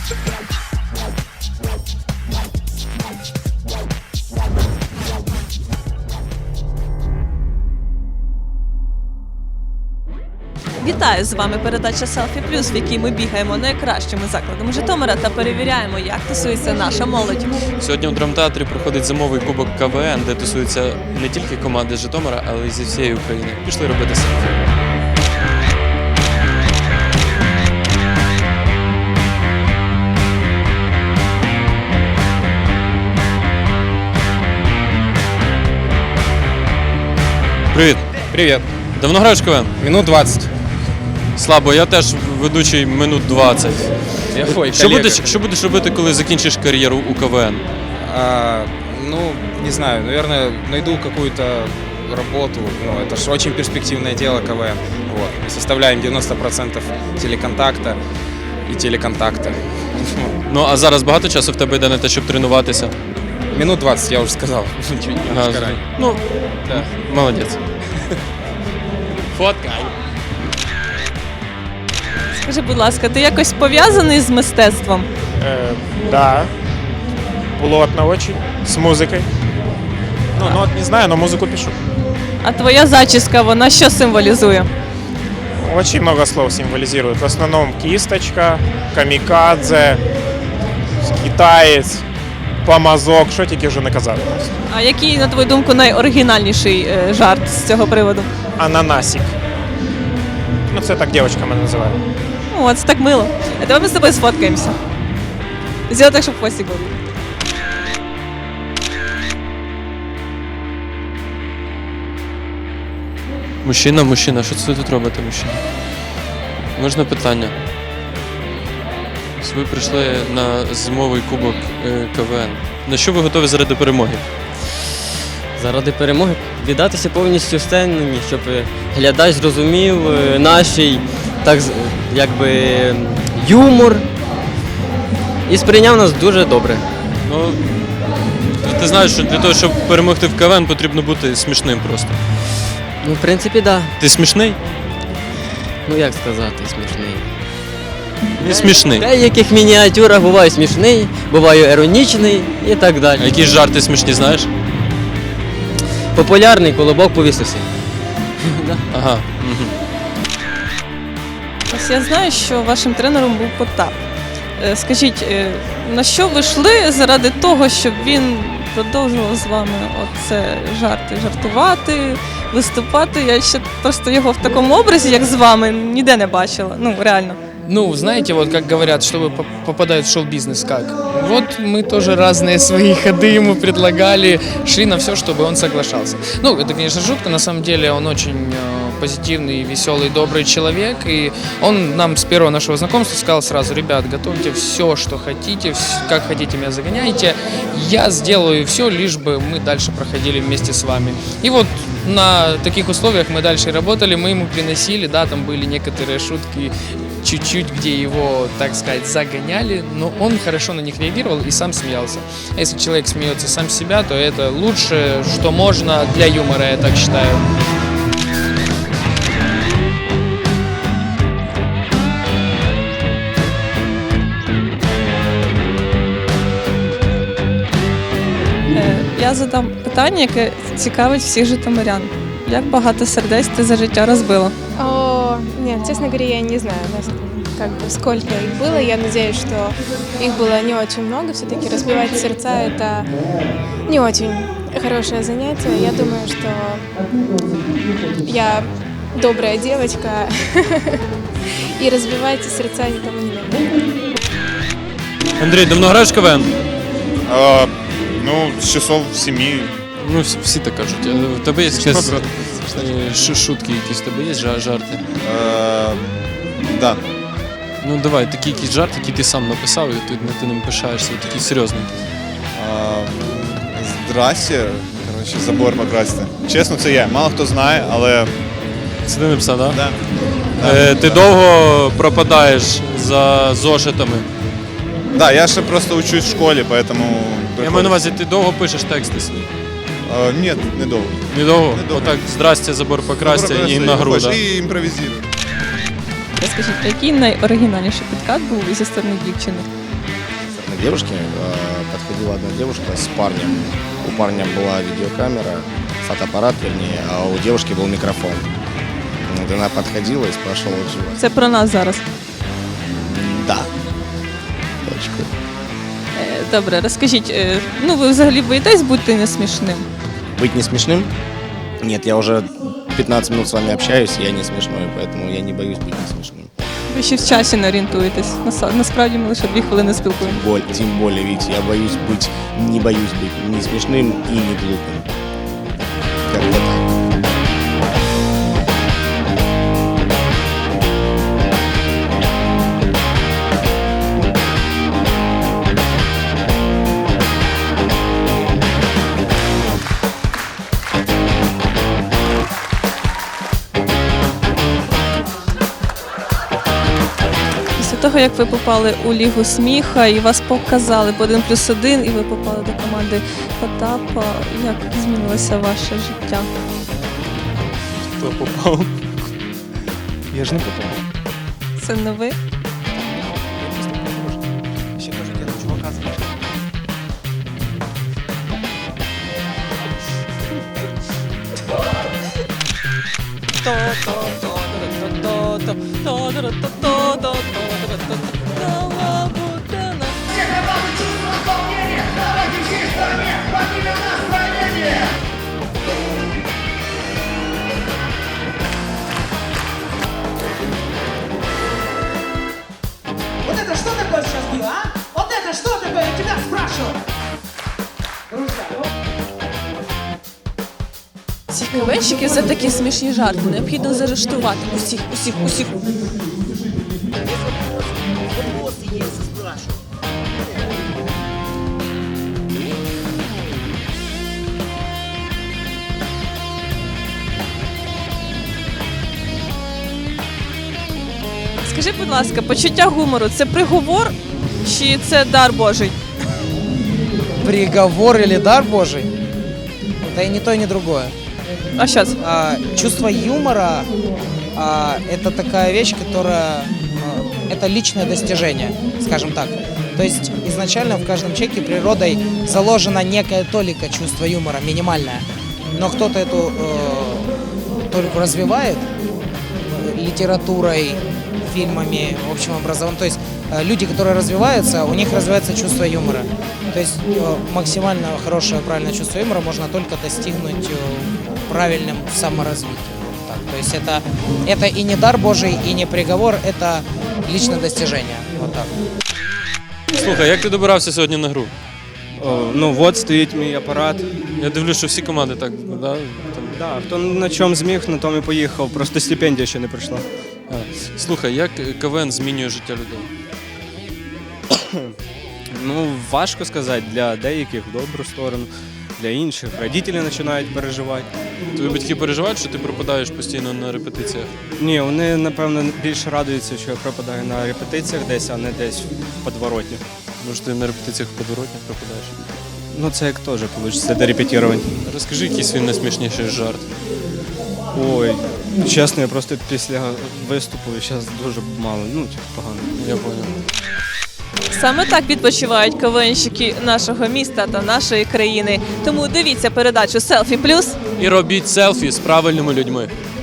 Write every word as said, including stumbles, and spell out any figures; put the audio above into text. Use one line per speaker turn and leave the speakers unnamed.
Вітаю! З вами передача Селфі Плюс, в якій ми бігаємо найкращими закладами Житомира та перевіряємо, як тусується наша молодь.
Сьогодні у драмтеатрі проходить зимовий кубок Ка Ве Ен, де тусуються не тільки команди з Житомира, але й зі всієї України. Пішли робити селфі. Привіт!
Привет.
Давно граєш в Ка Ве Ен?
Минут двадцать.
Слабо, я теж ведучий минут двадцять.
Я хой,
Що будеш, що будеш робити, коли закінчиш кар'єру у Ка Ве Ен?
А, ну, не знаю, наверное, найду какую-то работу. Ну, это же очень перспективное дело Ка Ве Ен. Вот. Мы составляем девяносто процентов телеконтакта и телеконтакта.
Ну, а зараз багато часу в тебе йде на те, щоб тренуватися?
Минут двадцать, я уже сказал. Чуть немножко
Ага,
ранее.
ну,
Да.
молодець.
Фоткай.
Скажи, будь ласка, ти якось пов'язаний з мистецтвом?
Э, да, плотно очень, с музыкой. Ну, нот не знаю, но музыку пишу.
А твоя зачіска, вона що символізує?
Очень много слов символизирует. В основном кисточка, камикадзе, китаец, помазок, що тільки вже не казали.
А який, на твою думку, найоригінальніший е, жарт з цього приводу?
Ананасик. Ну, це так дівчинка мене називає.
О, це так мило. А давай ми з тобою сфоткаємося. Зробимо так, щоб хвостик був.
Мужчина, мужчина, що це тут робите, мужчина? Можна питання? Ось ви прийшли на зимовий кубок е, Ка Ве Ен. На що ви готові заради перемоги?
Заради перемоги віддатися повністю сцені, щоб глядач зрозумів е, наш так з- якби юмор і сприйняв нас дуже добре.
Ну, ти- ти знаєш, що для того, щоб перемогти в Ка Ве Ен, потрібно бути смішним просто.
Ну, в принципі, так. Да.
Ти смішний?
Ну як сказати, смішний.
Не смішний.
В деяких мініатюрах буваю смішний, буваю іронічний і так
А
далі.
якісь жарти смішні знаєш?
Популярний колобок повісився.
Ага. Угу.
Ось я знаю, що вашим тренером був Потап. Е, Скажіть, е, на що ви йшли заради того, щоб він продовжував з вами оце жарти, жартувати, виступати? Я ще просто його в такому образі, як з вами, ніде не бачила. Ну, реально.
Ну, знаете, вот как говорят, чтобы по- попадают в шоу-бизнес, как? Вот мы тоже разные свои ходы ему предлагали, шли на все, чтобы он соглашался. Ну, это, конечно, жутко, на самом деле он очень э, позитивный, веселый, добрый человек, и он нам с первого нашего знакомства сказал сразу: ребят, готовьте все, что хотите, вс- как хотите меня загоняйте, я сделаю все, лишь бы мы дальше проходили вместе с вами. И вот на таких условиях мы дальше работали, мы ему приносили, да, там были некоторые шутки, чуть-чуть, где его, так сказать, загоняли, но он хорошо на них реагировал и сам смеялся. А если человек смеется сам с себя, то это лучшее, что можно для юмора, я так считаю.
Е, Я задам питання, яке цікавить всіх житомирян. Як багато сердець ти за життя розбила?
О, нет, честно говоря, я не знаю, нас- как бы сколько их было. Я надеюсь, что их было не очень много. Все-таки разбивать сердца – это не очень хорошее занятие. Я думаю, что я добрая девочка и разбивать сердца никому не надо.
Андрій, давно граєш в Ка Ве Ен?
А, ну, с часов семи.
Ну, всі, всі так кажуть. Е, В тебе є якісь е, шу- шутки, якісь в тебе є жа- жарти?
А, да.
Ну давай, такий якийсь жарт, який ти сам написав, і ти, ти ним пишаєшся, такий серйозний.
А, здрасте. Короче, забор покрасти. Чесно, це я. Мало хто знає, але.
Це ти написав, так?
Да.
Е, ти довго пропадаєш за зошитами.
Да, я ще просто учусь в школі, поэтому.
Я маю на увазі, ти довго пишеш тексти свої.
А, ні, недовго.
Недовго?
Недовго.
Отак, здрасте, забор покрасьте і на гру, да?
І імпровізую.
Розкажіть, який найоригінальніший підкат був зі сторони дівчини?
девушки. Э, Подходила одна девушка с парнем. У парня была видеокамера, фотоаппарат вернее, а у девушки был микрофон. Вот она подходила и спрашивала, жива.
Це про нас зараз.
Да. Точку.
Е, Добре, розкажіть, е, ну ви взагалі боїтесь бути несмішним?
Быть не смешным? Нет, я уже пятнадцать минут с вами общаюсь, и я не смешной, поэтому я не боюсь быть не смешным.
Ви ще в часі не орієнтуєтесь. Наса- Насправді ми лише дві хвилини спілкуємося.
Боль, тем более, видите, я боюсь быть, не боюсь быть не смешным и не глупым. Как-то так.
Після того, як ви попали у Лігу сміха і вас показали по один плюс один, і ви попали до команди Потапа, як змінилося ваше життя?
Кто попал? Я же не попал.
Це не ви?
Еще тоже дело чувака зовут.
Вот это что такое сейчас было, а? Вот это что такое? Я тебя спрашиваю.
Ці КВНщики за такі смішні жарти необхідно заарештувати усіх, усіх, усіх. Скажи, будь ласка, почуття гумору – це приговор чи це дар Божий?
Приговор или дар Божий? Да и не то, и не другое.
А що це?
А, чувство юмора а, это такая вещь, которая а, это личное достижение, скажем так. То есть изначально в каждом человеке природой заложена некая толика чувства юмора, минимальная. Но кто-то эту э, толику развивает э, литературой, фильмами, общим образованием. То есть э, люди, которые развиваются, у них развивается чувство юмора. То есть э, максимально хорошее, правильное чувство юмора можно только достигнуть э, правильным саморазвитием. Вот так. То есть это, это и не дар Божий, и не приговор, это личное достижение. Вот так.
Слухай, як ти добирався сьогодні на гру?
О, ну от стоїть мій апарат.
Я дивлюсь, що всі команди так, да? Там...
Да, хто на чому зміг, на тому і поїхав. Просто стипендія ще не прийшла.
А, слухай, як КВН змінює життя людей?
Ну, важко сказати, для деяких в добру сторону, для інших. Родителі починають переживати.
Твої батьки переживають, що ти пропадаєш постійно на репетиціях?
Ні, вони, напевно, більше радуються, що я пропадаю на репетиціях десь, а не десь в подворотні.
Може, ти на репетиціях в подворотнях пропадаєш?
Ну, це як теж вийде до репетирувань.
Розкажи якийсь свій найсмішніший жарт.
Ой, чесно, я просто після виступу зараз дуже мало, ну, типу, погано.
Я понял.
Саме так відпочивають КВНщики нашого міста та нашої країни. Тому дивіться передачу «Селфі Плюс».
І робіть селфі з правильними людьми.